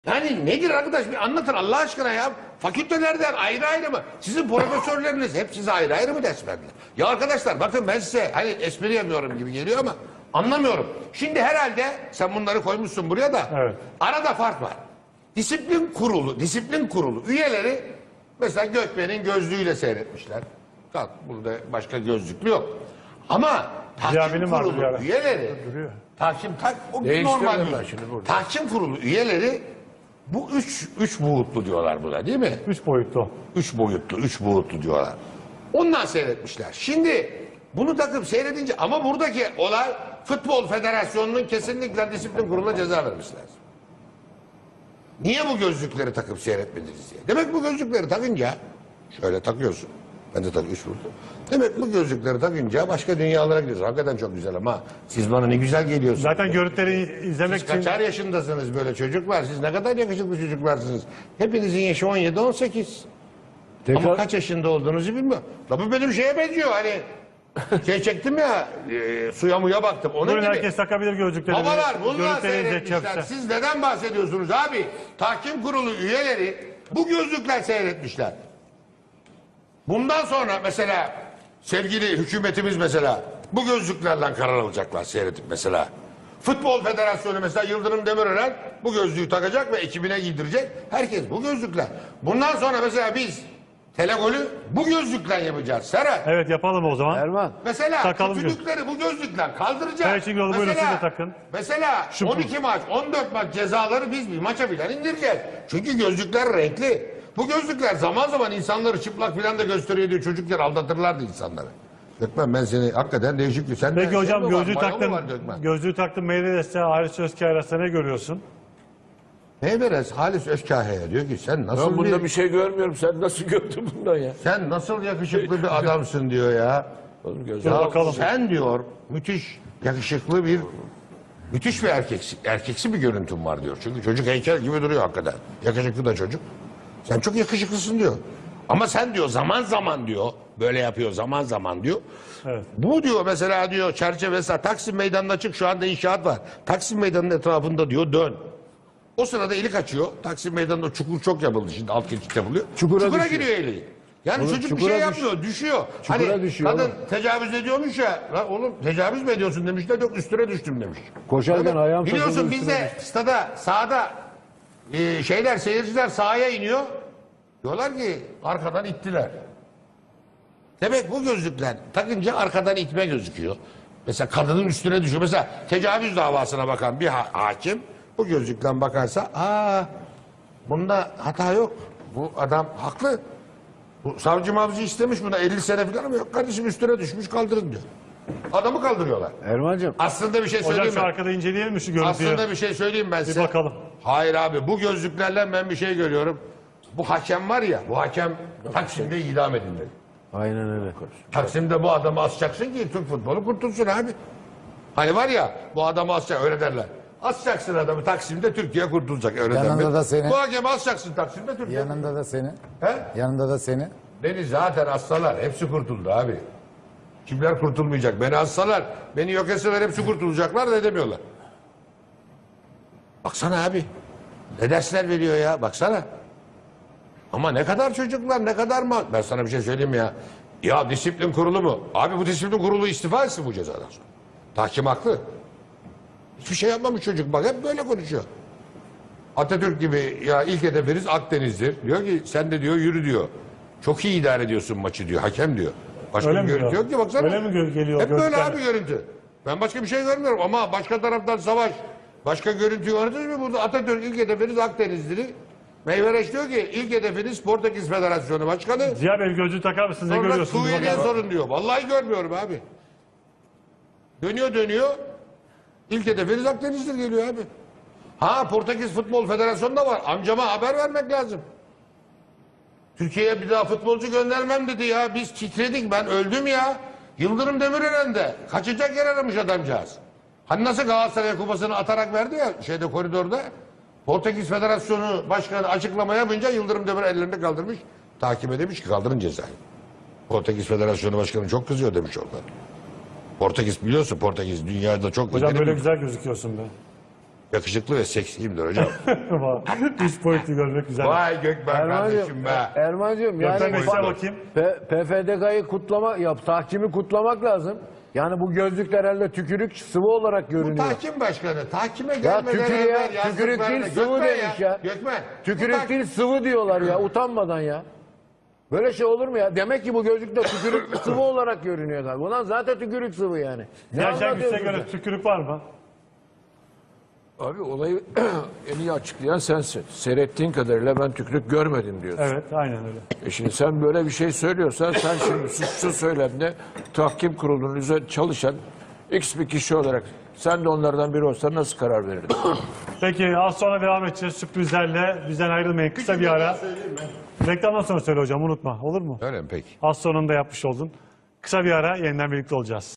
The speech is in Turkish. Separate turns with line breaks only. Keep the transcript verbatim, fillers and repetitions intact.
Yani nedir arkadaş, bir anlatın Allah aşkına ya. Fakültelerden ayrı ayrı mı? Sizin profesörleriniz hep size ayrı ayrı mı ders verdiler? Ya arkadaşlar bakın, ben size hani espri yapıyorum gibi geliyor ama anlamıyorum. Şimdi herhalde sen bunları koymuşsun buraya da,
evet,
arada fark var. Disiplin kurulu, disiplin kurulu üyeleri mesela Gökmen'in gözlüğüyle seyretmişler. Kalk, burada başka gözlüklü yok. Ama tahkim kurulu üyeleri, tahkim tak o normal şimdi burada. Tahkim kurulu üyeleri bu üç üç boyutlu diyorlar buna, değil mi?
Üç boyutlu.
Üç boyutlu, üç boyutlu diyorlar. Ondan seyretmişler. Şimdi bunu takıp seyredince, ama buradaki olay Futbol Federasyonu'nun kesinlikle disiplin kuruluna ceza vermişler. Niye bu gözlükleri takıp seyretmediniz diye. Demek bu gözlükleri takınca, şöyle takıyorsun. Ben de tabii üç vurdu. Demek bu gözlükleri takınca başka dünyalara gidiyorsun. Hakikaten çok güzel ama siz bana ne güzel geliyorsunuz.
Zaten görüntüleri izlemek
siz
için...
kaçar yaşındasınız böyle çocuklar? Siz ne kadar yakışıklı çocuklarsınız. Hepinizin yaşı on yedi on sekiz. Tekrar... Ama kaç yaşında olduğunuzu bilmiyorum. La bu benim şeye benziyor hani. Şey çektim ya, e, suya muya baktım. Onun
Buyurun,
gibi.
herkes takabilir gözlükleri.
Babalar bunlar seyretmişler. Siz neden bahsediyorsunuz abi? Tahkim kurulu üyeleri bu gözlükler seyretmişler. Bundan sonra mesela sevgili hükümetimiz mesela bu gözlüklerle karar alacaklar seyredip mesela. Futbol Federasyonu mesela Yıldırım Demirören bu gözlüğü takacak ve ekibine giydirecek. Herkes bu gözlükler. Bundan sonra mesela biz telegolü bu gözlükle yapacağız Serhat.
Evet, yapalım o zaman.
Erman.
Mesela
takalım
kötülükleri bu gözlükle kaldıracağız.
Evet, şimdi buyurun, siz de takın.
Mesela
Şu
on iki maç, on dört maç cezaları biz bir maça filan indireceğiz. Çünkü gözlükler renkli. Bu gözlükler zaman zaman insanları çıplak filan da gösteriyor diye çocukken aldatırlardı insanları. Gökmen, ben seni hakikaten değişik bir... Sen
Peki hocam,
şey
gözlüğü taktın, gözlüğü taktın Meyveres'te Halis Özkaya arasında ne görüyorsun?
Meyveres Halis Özkahya'ya diyor ki sen nasıl
Ben bunda
bir...
bir şey görmüyorum. Sen nasıl gördün bundan ya?
Sen nasıl yakışıklı bir adamsın diyor ya.
Oğlum göz
Ya
bakalım.
sen diyor müthiş yakışıklı bir, müthiş bir erkeksi, erkeksi bir görüntün var diyor. Çünkü çocuk heykel gibi duruyor hakikaten. Yakışıklı da çocuk. Sen çok yakışıklısın diyor. Ama sen diyor zaman zaman diyor, böyle yapıyor zaman zaman diyor.
Evet.
Bu diyor mesela diyor çerçevesi Taksim Meydanı'na çık, şu anda inşaat var. Taksim Meydanı'nın etrafında diyor dön. O sırada eli kaçıyor. Taksim Meydanı'nda çukur çok yapıldı şimdi, alt geçit yapılıyor.
Çukura
Çukura
düşüyor.
giriyor eli. Yani
Oğlum,
çocuk bir
çukura
şey
düş-
yapmıyor, düşüyor.
Çukura
Hani
düşüyor
kadın
oğlum.
tecavüz ediyormuş ya. Lan oğlum tecavüz mü ediyorsun demişler, yok üstüne düştüm demiş.
Koşarken
Tabii,
ayağım
biliyorsun
takıldı,
bizde
üstüne
stada sahada e, şeyler seyirciler sahaya iniyor. Diyorlar ki arkadan ittiler. Demek bu gözlükler takınca arkadan itme gözüküyor. Mesela kadının üstüne düşüyor. Mesela tecavüz davasına bakan bir ha hakim bu gözlükten bakarsa aa bunda hata yok. Bu adam haklı. Bu savcı mavcı istemiş buna elli sene falan ama yok kardeşim üstüne düşmüş kaldırın diyor. Adamı kaldırıyorlar.
Erman'cığım.
Aslında bir şey
Hocam
söyleyeyim
şu
mi?
arkada inceleyelim mi şu görüntüyü?
Aslında bir şey söyleyeyim ben size.
Bir bakalım.
Hayır abi, bu gözlüklerle ben bir şey görüyorum. Bu hakem var ya, bu hakem Taksim'de idam edilmeli.
Aynen öyle.
Taksim'de bu adamı asacaksın ki Türk futbolu kurtulsun abi. Hani var ya, bu adamı asacak, öyle derler. Asacaksın adamı Taksim'de, Türkiye kurtulacak, öyle
Yanında
derler.
da seni.
Bu hakemi asacaksın Taksim'de, Türkiye.
Yanında da seni.
He?
Yanında da seni.
Beni zaten assalar, hepsi kurtuldu abi. Kimler kurtulmayacak? Beni assalar, beni yok etseler hepsi kurtulacaklar da edemiyorlar. Baksana abi, ne dersler veriyor ya, baksana. Ama ne kadar çocuklar, ne kadar mı? Ben sana bir şey söyleyeyim ya. Ya disiplin kurulu mu? Abi bu disiplin kurulu istifa etsin bu cezadan sonra. Tahkim haklı. Hiçbir şey yapmamış çocuk, bak hep böyle konuşuyor. Atatürk gibi ya ilk hedefiniz Akdeniz'dir. Diyor ki sen de diyor yürü diyor. Çok iyi idare ediyorsun maçı diyor, hakem diyor. Başka
Öyle
bir
mi
görüntü
diyor?
yok ki baksana.
Öyle mi gö- geliyor
Hep böyle
gözler?
abi görüntü. Ben başka bir şey görmüyorum ama başka taraftan savaş. Başka görüntü gördünüz mü? Burada Atatürk ilk hedefiniz Akdeniz'dir. Meyvereş diyor ki ilk hedefiniz Portekiz Federasyonu Başkanı.
Ziya Bey, gözlüğü takar mısınız? Ne
Sonra
görüyorsunuz? Bir
Suriye'ye
bakalım.
sorun diyor. Vallahi görmüyorum abi. Dönüyor dönüyor. İlk hedefiniz Akdeniz'dir geliyor abi. Ha, Portekiz Futbol Federasyonu da var. Amcama haber vermek lazım. Türkiye'ye bir daha futbolcu göndermem dedi ya. Biz titredik, ben öldüm ya. Yıldırım Demirören de kaçacak yer aramış adamcağız. Hani nasıl Galatasaray kupasını atarak verdi ya şeyde, koridorda. Portekiz Federasyonu Başkanı açıklama yapınca Yıldırım Demirören ellerini kaldırmış. Takibe demiş ki kaldırın cezayı. Portekiz Federasyonu Başkanı çok kızıyor demiş oradan. Portekiz biliyorsun, Portekiz dünyada çok...
Hocam böyle güzel gözüküyorsun be.
Yakışıklı ve seksiyimdir hocam.
Üç boyutlu görmek güzel.
Vay Gökmen kardeşim be.
Erman'cığım yani
Gökmen Bey, size
bak-
bakayım.
P- PFDK'yı kutlamak, ya tahkimi kutlamak lazım. Yani bu gözlükler herhalde tükürük sıvı olarak
Bu
görünüyor.
tahkim başkanı tahkime
Ya
gelmeden
tükür
evvel
ya,
yazdıklarını-
tükürük değil sıvı
Gökmen
demiş ya.
Gökmen. bu
Tükürük
tahkim-
değil sıvı diyorlar ya, utanmadan ya. Böyle şey olur mu ya? Demek ki bu gözlükte tükürük sıvı olarak görünüyor tabii. Ulan zaten tükürük sıvı yani. Ne
Yaşar Güç'e
anlatıyorsun
göre
sen?
tükürük var mı?
Abi olayı en iyi açıklayan sensin. Seyrettiğin kadarıyla ben tükürük görmedim diyorsun.
Evet, aynen öyle.
E şimdi sen böyle bir şey söylüyorsan sen şimdi suçlu söylemde tahkim kurulunun üzerinde çalışan X bir kişi olarak sen de onlardan biri olsan nasıl karar verirdin?
Peki az sonra devam edeceğiz sürprizlerle. Bizden ayrılmayın. Kısa bir ara. Reklamdan sonra söyle hocam, unutma. Olur mu?
Öyle mi peki?
Az sonunda yapmış oldun. Kısa bir ara yeniden birlikte olacağız.